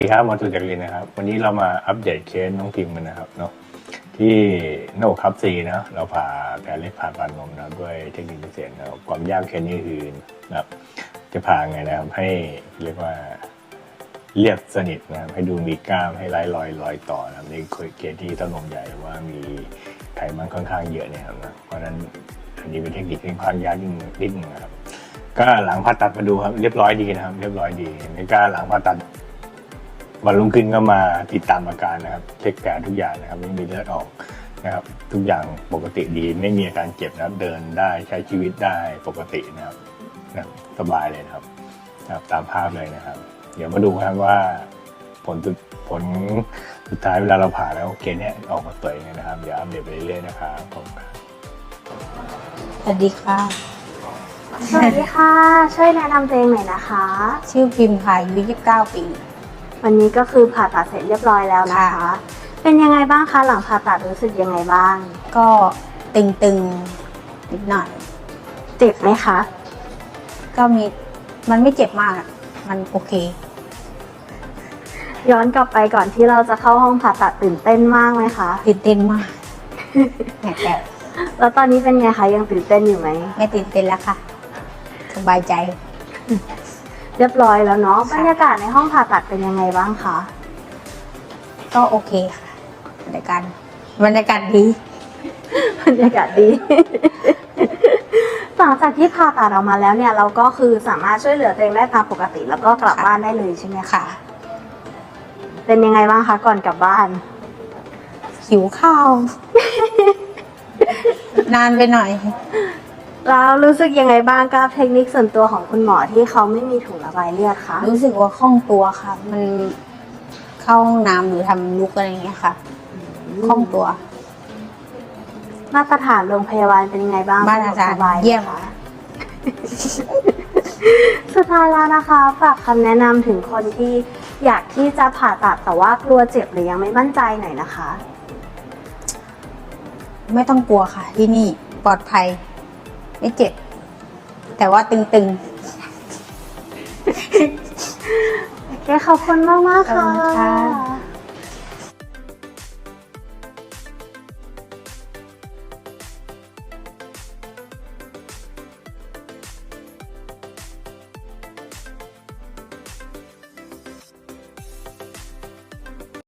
สวัสดีครับหมอสุจักรินนะครับวันนี้เรามาอัปเดตเคสน้องพิมพ์กันนะครับเนาะที่หน้าอกทับซีนะเราผ่าแผลเล็กผ่าปานนมนะด้วยเทคนิคพิเศษนะครับความยากเคสนี้คือนะครับจะผ่าไงนะครับให้เรียกว่าเรียบสนิทนะครับให้ดูมีกล้ามให้ไร้รอยต่อนะครับในเคสที่เต้านมใหญ่ว่ามีไขมันค่อนข้างเยอะเนี่ยครับนะเพราะฉะนั้นอันนี้เป็นเทคนิคที่ค่อนข้างยากนิดนึงนะครับก็หลังผ่าตัดมาดูครับเรียบร้อยดีนะครับเรียบร้อยดีในการหลังผ่าตัดวันรุ่งขึ้นก็มาติดตามอาการนะครับเช็คแผลทุกอย่างนะครับไม่มีเลือดออกนะครับทุกอย่างปกติดีไม่มีอาการเจ็บนะครับเดินได้ใช้ชีวิตได้ปกตินะครับสบายเลยนะครับตามภาพเลยนะครับเดี๋ยวมาดูครับว่าผลสุดท้ายเวลาเราผ่าแล้วเคสนี้ออกมาสวยยังไงนะครับเดี๋ยวอัปเดตไปเรื่อยๆนะครับผมสวัสดีค่ะสวัสดีค่ะ ช่วยแนะนำตัวเองหน่อยนะคะชื่อพิมพ์ค่ะอายุ29 ปีวันนี้ก็คือผ่าตัดเสร็จเรียบร้อยแล้วนะคะค่ะเป็นยังไงบ้างคะหลังผ่าตัดรู้สึกยังไงบ้างก็ตึงๆนิดหน่อยเจ็บไหมคะก็มันไม่เจ็บมากอะมันโอเคย้อนกลับไปก่อนที่เราจะเข้าห้องผ่าตัดตื่นเต้นมากไหมคะตื่นเต้นมากแต่แล้วตอนนี้เป็นไงคะยังตื่นเต้นอยู่ไหมไม่ตื่นเต้นแล้วค่ะ สบายใจเรียบร้อยแล้วเนาะค่ะบรรยากาศในห้องผ่าตัดเป็นยังไงบ้างคะก็โอเคค่ะบรรยากาศดีบรรยากาศดี หลังจากที่ผ่าตัดออกมาแล้วเนี่ยเราก็คือสามารถช่วยเหลือตัวเองได้ตามปกติ แล้วก็กลับบ้านได้เลยใช่ไหมคะค่ะเป็นยังไงบ้างคะก่อนกลับบ้านหิวข้าว นานไปหน่อยแล้วรู้สึกยังไงบ้างกับเทคนิคส่วนตัวของคุณหมอที่เขาไม่มีถุงระบายเลือดคะรู้สึกว่าคล่องตัวค่ะ มันเข้าห้องน้ำหรือทำลุกอะไรอย่างเงี้ยค่ะคล่องตัวมาตรฐานโรงพยาบาลเป็นยังไงบ้างมาตรฐานสบไหเยี่ยมคะ สุดท้ายแล้วนะคะฝากคำแนะนำถึงคนที่อยากที่จะผ่าตัดแต่ว่ากลัวเจ็บหรือยังไม่มั่นใจหน่อยนะคะไม่ต้องกลัวค่ะ ที่นี่ปลอดภัย ไม่เจ็บ แต่ว่าตึงโอเคขอบคุณมากๆๆค่ะค่ะ